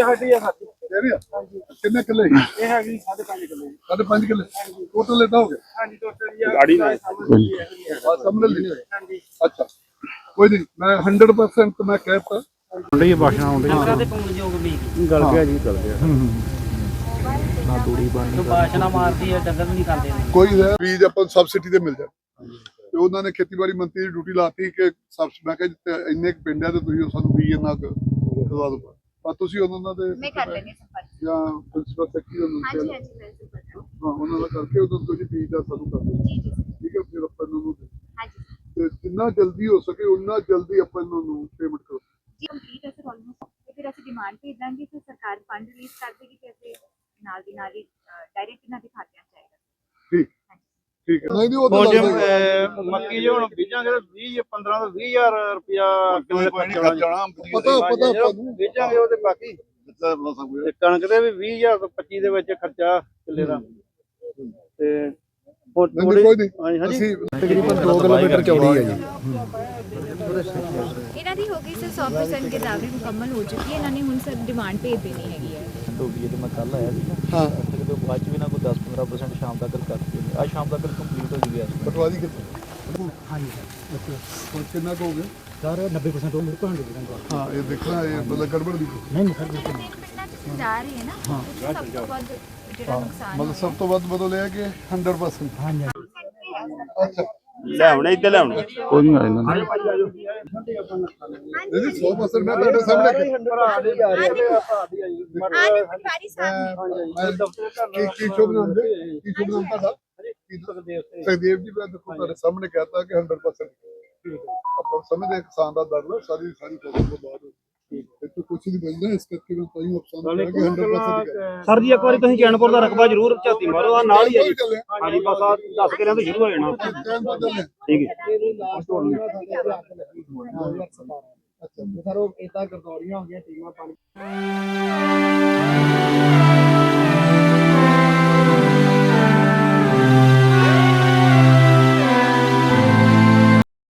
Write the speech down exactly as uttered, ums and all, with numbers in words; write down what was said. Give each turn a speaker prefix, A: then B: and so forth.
A: ਸਾਡੀ ਆ ਸਾਡੀ
B: ਤੇਰੀ ਆ ਕਿੰਨੇ ਕਿੱਲੇ
A: ਇਹ ਹੈਗੀ ਸਾਢੇ ਪੰਜ ਕਿੱਲੇ
B: ਸਾਢੇ ਪੰਜ ਕਿੱਲੇ ਟੋਟਲ ਲੈਦਾ ਹੋ ਗਿਆ
A: ਹਾਂਜੀ ਟੋਟਲ ਜੀ ਗਾੜੀ ਨਾਲ
B: ਆ ਸਮਝ ਲਈ
A: ਹਾਂਜੀ
B: ਅੱਛਾ ਕੋਈ ਨਹੀਂ ਮੈਂ ਸੌ ਪਰਸੈਂਟ ਮੈਂ ਕਹਿਤਾ
C: ਹੁੰਦੀ ਹੈ ਬਾਸ਼ਾ ਹੁੰਦੀ
A: ਅੰਕਰਾ ਦੇ ਪੂਣ ਜੋਗ ਵੀ
C: ਗਲ ਗਿਆ ਜੀ ਗਲ ਗਿਆ ਨਾ ਦੂਰੀ ਬਣ
A: ਬਾਸ਼ਨਾ ਮਾਰਦੀ ਹੈ ਡੰਗਰ ਨਹੀਂ ਖਾਂਦੇ
B: ਕੋਈ ਬੀਜ ਆਪਾਂ ਸਬਸਿਡੀ ਤੇ ਮਿਲ ਜਾਏ ਤੇ ਉਹਨਾਂ ਨੇ ਖੇਤੀਬਾੜੀ ਮੰਤਰੀ ਦੀ ਡਿਊਟੀ ਲਾਤੀ ਕਿ ਮੈਂ ਕਿਹਾ ਇੰਨੇ ਕੁ ਪਿੰਡ ਆ ਤੇ ਤੁਸੀਂ ਸਾਨੂੰ ਬੀਜ ਇੰਨਾ ਕੁ ਦਵਾ ਦਿਓ ਪਰ ਤੁਸੀਂ ਉਹਨਾਂ ਦੇ
D: ਮੈਂ ਕਰ ਲੈਣੀ ਸੰਪਰਕ
B: ਜਾਂ ਪ੍ਰਿੰਸੀਪਲ ਸੈਕਟਰੀ ਨੂੰ
D: ਹਾਂਜੀ ਹਾਂਜੀ ਮੈਂ ਸੰਪਰਕ
B: ਹਾਂ ਉਹਨਾਂ ਦਾ ਕਰਕੇ ਉਹਨਾਂ ਨੂੰ ਤੁਸੀਂ ਬੀਜ ਦਾ ਸਾਨੂੰ ਕਰ ਦਿਓ
D: ਜੀ ਜੀ
B: ਠੀਕ ਹੈ ਫਿਰ ਆਪਾਂ ਇਹਨਾਂ ਨੂੰ
D: ਹਾਂਜੀ
B: ਤੇ ਜਿੰਨਾ ਜਲਦੀ ਹੋ ਸਕੇ ਉਨਾ ਜਲਦੀ ਆਪਾਂ ਇਹਨਾਂ ਨੂੰ ਪੇਮੈਂਟ ਕਰੋ
D: ਜੀ ਕੰਪਲੀਟ ਹੈ ਸਰ ਆਲਮੋਸਟ ਤੇ ਫਿਰ ਅਸੀਂ ਡਿਮਾਂਡ ਭੇਜ ਦਾਂਗੇ ਤੇ ਸਰਕਾਰ ਫੰਡ ਰਿਲੀਜ਼ ਕਰ ਦੇਗੀ ਤੇ ਅਸੀਂ ਨਾਲ ਦੀ ਨਾਲ ਹੀ ਡਾਇਰੈਕਟ ਇਹਨਾਂ ਦੇ ਖਾਤਿਆਂ 'ਚ ਆਏਗਾ
B: ਠੀਕ ਠੀਕ ਹੈ ਨਹੀਂ ਨਹੀਂ ਉਹ ਤਾਂ
C: ਜੇ ਮੱਕੀ ਜੇ ਹੁਣ ਬੀਜਾਂਗੇ ਤਾਂ ਵੀਹ ਪੰਦਰਾਂ ਤੋਂ ਵੀਹ ਹਜ਼ਾਰ ਰੁਪਇਆ ਕਿਲੋ
B: ਪਤਾ ਪਤਾ ਆਪਾਂ ਨੂੰ
C: ਬੀਜਾਂਗੇ ਉਹ ਤੇ ਬਾਕੀ ਤੇ ਕਣਕ ਦੇ ਵੀ ਵੀਹ ਹਜ਼ਾਰ ਤੋਂ ਪੱਚੀ ਦੇ ਵਿੱਚ ਖਰਚਾ ਕਿੱਲੇ ਦਾ ਤੇ ਹੋਰ
B: ਨਹੀਂ ਕੋਈ ਨਹੀਂ
C: ਹਾਂਜੀ ਹਾਂਜੀ
B: ਅਸੀਂ
C: ਤਕਰੀਬਨ ਦੋ ਕਿਲੋਮੀਟਰ ਚੌੜੀ ਹੈ ਜੀ
D: ਇਹਨਾਂ ਦੀ ਹੋ ਗਈ ਸਰ ਸੌ ਪਰਸੈਂਟ ਗਿਰਦਾਵਰੀ ਮੁਕੰਮਲ ਹੋ ਚੁੱਕੀ ਹੈ ਇਹਨਾਂ ਨੇ ਹੁਣ ਸਰ ਡਿਮਾਂਡ ਭੇਜ ਦੇਣੀ ਹੈਗੀ ਹੈ
E: ਟੋਬੀ ਤੇ ਮੈਂ ਕੱਲ ਆਇਆ ਸੀ
B: ਹਾਂ
E: ਤੇ ਬਾਅਦ ਚ ਵੀ ਨਾ ਕੋਈ ਦਸ ਪੰਦਰਾਂ ਪਰਸੈਂਟ ਸ਼ਾਮ ਤੱਕ ਕਰਤੀ ਅੱਜ ਸ਼ਾਮ ਤੱਕ ਕੰਪਲੀਟ ਹੋ ਜੂਗੀ ਯਾਰ
B: ਪਟਵਾਰੀ ਕਿੱਥੇ
C: ਹਾਂਜੀ
B: ਹੁਣ ਕਿੰਨਾ ਕੁ ਹੋ ਗਿਆ
C: ਸਰ ਨੱਬੇ ਪਰਸੈਂਟ ਉਹ ਮੇਰੇ ਕੋਲ ਹੰਡਰਡ ਪਰਸੈਂਟ
B: ਹਾਂ ਇਹ ਦੇਖਣਾ ਇਹ ਮਤਲਬ ਗੜਬੜ ਦੀ
C: ਨਹੀਂ ਨਹੀਂ ਸਰ ਬਿਲਕੁਲ
D: ਤਿੰਨ ਪਿੰਡਾਂ 'ਚ ਤੁਸੀਂ ਜਾ ਰਹੇ ਹੈ ਨਾ ਹਾਂ ਸਭ ਤੋਂ ਵੱਧ ਜਿਹੜਾ ਨੁਕਸਾਨ
B: ਮਤਲਬ ਸਭ ਤੋਂ ਵੱਧ ਬਦਲ ਇਹ ਕਿ ਸੌ ਪਰਸੈਂਟ
C: ਹਾਂਜੀ
B: ਅੱਛਾ
C: ਲਿਆਉਣੇ ਇੱਥੇ ਲਿਆਉਣੇ ਕੋਈ ਨਹੀਂ ਆ ਇਹਨਾਂ
B: ਨਹੀਂ ਸੌ ਪਰਸੈਂਟ ਮੈਂ ਤੁਹਾਡੇ ਸਾਹਮਣੇ
D: ਆਨੇ ਪਟਵਾਰੀ ਸਾਹਿਬ ਨੇ
B: ਕੀ ਕੀ ਸ਼ੁਭ ਨਾਮ ਦੇ ਕੀ ਸ਼ੁਭ ਨਾਮ ਤੁਹਾਡਾ ਸੁਖਦੇਵ ਜੀ ਮੈਂ ਦੇਖੋ ਤੁਹਾਡੇ ਸਾਹਮਣੇ ਕਹਤਾ ਕਿ ਸੌ ਪਰਸੈਂਟ ਆਪਾਂ ਸਮਝਦੇ ਕਿਸਾਨ ਦਾ ਦਰਦ ਸਾਰੀ ਸਾਰੀ ਫਸਲ ਤੋਂ ਬਾਅਦ ਤੇ ਤੂੰ ਕੁਛ ਨਹੀਂ ਬਚਦਾ ਇਸ ਕਰਕੇ ਮੈਂ ਤਾਂ ਹੀ ਅਫਸੋਸ ਕਰਾਂਗਾ ਕਿ ਸੌ ਪਰਸੈਂਟ
C: ਸਰ ਜੀ ਇੱਕ ਵਾਰੀ ਤੁਸੀਂ ਚੈਨਪੁਰ ਦਾ ਰਕਬਾ ਜ਼ਰੂਰ ਝਾਤੀ ਮਾਰੋ ਆ ਨਾਲ ਹੀ ਹੈ ਜੀ ਹਾਂਜੀ ਬਸ ਆ ਦਸ ਕਿਲਿਆਂ ਤੋਂ ਸ਼ੁਰੂ ਹੋ ਜਾਣਾ ਠੀਕ ਹੈ
A: ਸਰ ਉਹ ਇਦਾਂ ਗਰਦੌਰੀਆਂ ਹੋ ਗਈਆਂ ਟੀਮਾਂ ਪਾਣੀ